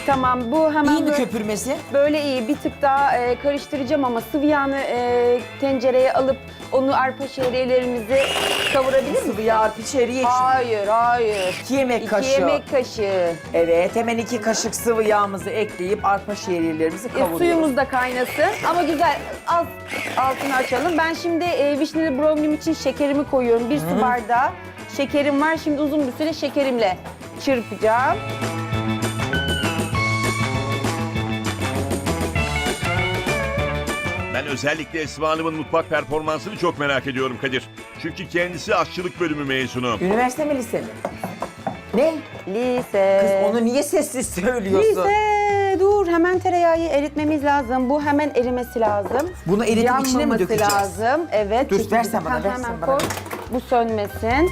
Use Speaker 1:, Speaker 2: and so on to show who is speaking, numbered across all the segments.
Speaker 1: Tamam, bu hemen
Speaker 2: İyi mi
Speaker 1: böyle,
Speaker 2: köpürmesi?
Speaker 1: böyle iyi. Bir tık daha karıştıracağım ama sıvı yağını tencereye alıp onu arpa şehriyelerimizi kavurabilir misin?
Speaker 2: Sıvı yağ içeriye için.
Speaker 1: Hayır.
Speaker 2: 2 yemek
Speaker 1: 2
Speaker 2: kaşığı.
Speaker 1: yemek kaşığı.
Speaker 2: Evet, hemen 2 kaşık sıvı yağımızı ekleyip arpa şehriyelerimizi kavuruyoruz.
Speaker 1: Suyumuz da kaynasın ama güzel, az altını açalım. Ben şimdi vişneli brownie'm için şekerimi koyuyorum. 1 su bardağı şekerim var. Şimdi uzun bir süre şekerimle çırpacağım.
Speaker 3: Ben özellikle Esma Hanım'ın mutfak performansını çok merak ediyorum Kadir. Çünkü kendisi aşçılık bölümü mezunu.
Speaker 2: Üniversite mi lise mi? Ne?
Speaker 1: Lise.
Speaker 2: Kız onu niye sessiz söylüyorsun?
Speaker 1: Lise. Dur, hemen tereyağı eritmemiz lazım. Bu hemen erimesi lazım.
Speaker 2: Bunu eritip içine mi
Speaker 1: Yanmaması
Speaker 2: dökeceğiz?
Speaker 1: lazım. Evet.
Speaker 2: Dur,
Speaker 1: çekici.
Speaker 2: versen bana,
Speaker 1: Ha,
Speaker 2: versen
Speaker 1: hemen
Speaker 2: bana.
Speaker 1: koy. Bu sönmesin.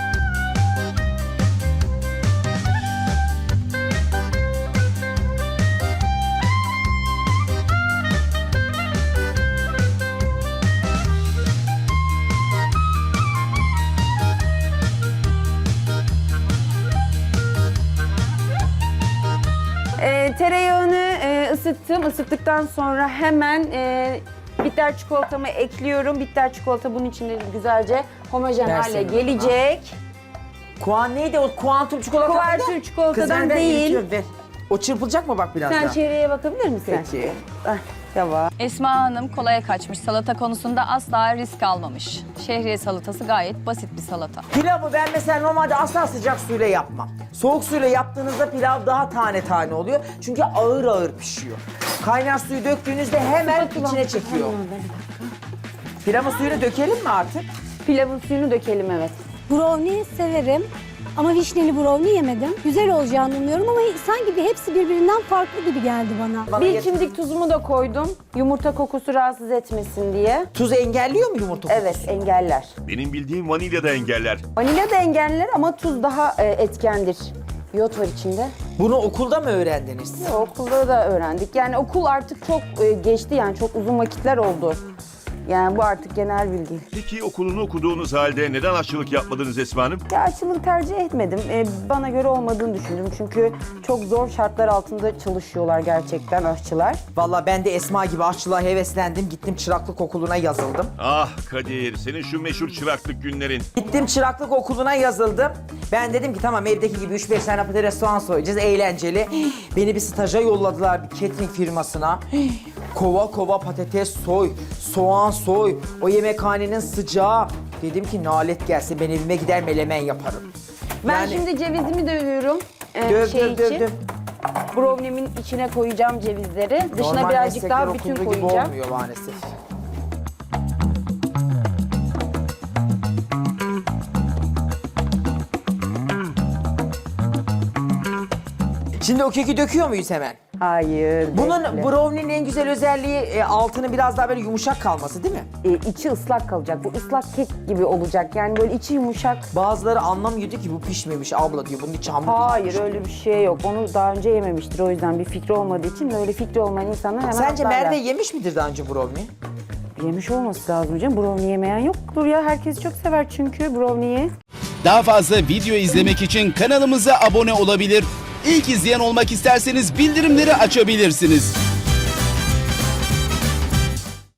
Speaker 1: Tereyağını ısıttım. Isıttıktan sonra hemen bitter çikolatamı ekliyorum. Bitter çikolata bunun içinde güzelce homojen
Speaker 2: Versene
Speaker 1: hale
Speaker 2: bana.
Speaker 1: gelecek.
Speaker 2: Neydi o kuantum çikolata mıydı?
Speaker 1: Kuvertür çikolatadan
Speaker 2: Kız ver,
Speaker 1: değil.
Speaker 2: eritiyorum, ver. O çırpılacak mı bak biraz
Speaker 1: Sen
Speaker 2: daha?
Speaker 1: çevreye bakabilir misin?
Speaker 2: Peki.
Speaker 1: Tamam.
Speaker 4: Esma Hanım kolaya kaçmış. Salata konusunda asla risk almamış. Şehriye salatası gayet basit bir salata.
Speaker 2: Pilavı ben mesela normalde asla sıcak suyla yapmam. Soğuk suyla yaptığınızda pilav daha tane tane oluyor. Çünkü ağır ağır pişiyor. Kaynar suyu döktüğünüzde hemen içine çekiyor. Pilavın suyunu dökelim mi artık?
Speaker 1: Pilavın suyunu dökelim, evet.
Speaker 5: Brownie severim ama vişneli brownie yemedim. Güzel olacağını umuyorum ama sanki hepsi birbirinden farklı gibi geldi bana.
Speaker 1: Bir çimdik tuzumu da koydum. Yumurta kokusu rahatsız etmesin diye.
Speaker 2: Tuz engelliyor mu yumurta kokusu?
Speaker 1: Evet, engeller.
Speaker 3: Benim bildiğim vanilya da engeller.
Speaker 1: Vanilya da engeller ama tuz daha etkendir. Yod var içinde.
Speaker 2: Bunu okulda mı öğrendiniz?
Speaker 1: Okulda da öğrendik. Yani okul artık çok geçti, yani çok uzun vakitler oldu. Yani bu artık genel bilgi.
Speaker 3: Peki okulunu okuduğunuz halde neden aşçılık yapmadınız Esma Hanım?
Speaker 1: Ya aşçılığı tercih etmedim. Bana göre olmadığını düşündüm. Çünkü çok zor şartlar altında çalışıyorlar gerçekten aşçılar.
Speaker 2: Vallahi ben de Esma gibi aşçılığa heveslendim. Gittim çıraklık okuluna yazıldım.
Speaker 3: Ah Kadir, senin şu meşhur çıraklık günlerin.
Speaker 2: Gittim çıraklık okuluna yazıldım. Ben dedim ki tamam evdeki gibi 3-5 tane patates soğan soyacağız, eğlenceli. Beni bir staja yolladılar bir catering firmasına. Kova kova patates soy, soğan soy, o yemekhanenin sıcağı. Dedim ki nalet gelsin, ben evime gider melemen yaparım.
Speaker 1: Ben
Speaker 2: Yani-
Speaker 1: şimdi cevizimi dövüyorum.
Speaker 2: Döv,
Speaker 1: şey
Speaker 2: döv, döv,
Speaker 1: için.
Speaker 2: döv.
Speaker 1: Brownie'min içine koyacağım cevizleri. Dışına
Speaker 2: Normal
Speaker 1: birazcık
Speaker 2: meslekler
Speaker 1: daha bütün
Speaker 2: okulduğu gibi
Speaker 1: koyacağım.
Speaker 2: olmuyor maalesef. Şimdi o keki döküyor muyuz hemen?
Speaker 1: Hayır.
Speaker 2: Bunun
Speaker 1: bekle.
Speaker 2: brownie'nin en güzel özelliği altının biraz daha böyle yumuşak kalması değil mi?
Speaker 1: İçi ıslak kalacak. Bu ıslak kek gibi olacak. Yani böyle içi yumuşak.
Speaker 2: Bazıları anlamıyor diyor ki bu pişmemiş abla diyor. Bunun içi hamur
Speaker 1: Hayır,
Speaker 2: kalmış.
Speaker 1: öyle bir şey yok. Onu daha önce yememiştir. O yüzden bir fikri olmadığı için öyle fikri olmayan insanlar hemen
Speaker 2: Sence
Speaker 1: atlarlar.
Speaker 2: Merve yemiş midir daha önce brownie?
Speaker 1: Yemiş olması lazım canım. Brownie yemeyen yoktur ya. Herkes çok sever çünkü brownie'yi.
Speaker 6: Daha fazla video izlemek için kanalımıza abone olabilir. İlk izleyen olmak isterseniz bildirimleri açabilirsiniz.